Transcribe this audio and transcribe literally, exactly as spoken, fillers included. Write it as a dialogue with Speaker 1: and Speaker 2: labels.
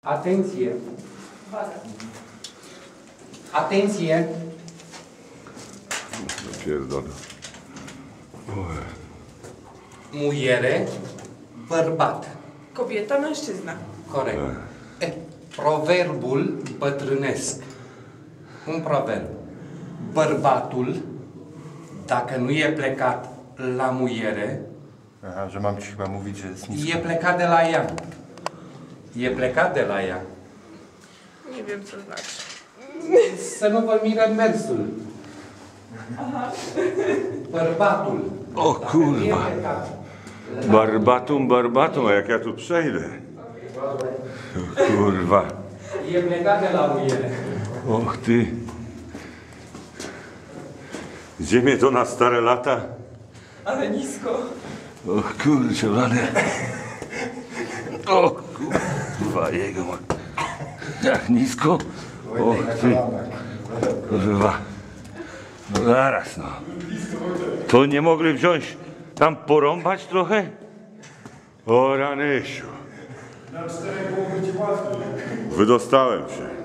Speaker 1: Atenție! Atenție!
Speaker 2: Pierdolę.
Speaker 1: Muiere, bărbat.
Speaker 3: Kobieta, mężczyzna.
Speaker 1: Corect. E, proverbul bătrânesc. Un proverb. Bărbatul, dacă nu e plecat la muiere,
Speaker 4: Aha, że mam ci chyba mówić, że jest nisko.
Speaker 1: e plecat de la ea. E plecat de la ea.
Speaker 3: Nie wiem, co znaczy.
Speaker 1: Să nu vă mire mersul. Bărbatul.
Speaker 2: O
Speaker 1: dacă nu e
Speaker 2: kurwa.
Speaker 1: plecat la-
Speaker 2: Barbatum, barbatum, a jak ja tu przejdę? O kurwa.
Speaker 1: E plecat de la muiere.
Speaker 2: Och ty. Gdzie mnie to na stare lata?
Speaker 3: Ale nisko.
Speaker 2: O kurczę, blade. O kurwa, jego ma. Jak nisko? O ty. Kurwa. No zaraz no. To nie mogli wziąć, tam porąbać trochę? O Ranysiu. Wydostałem się.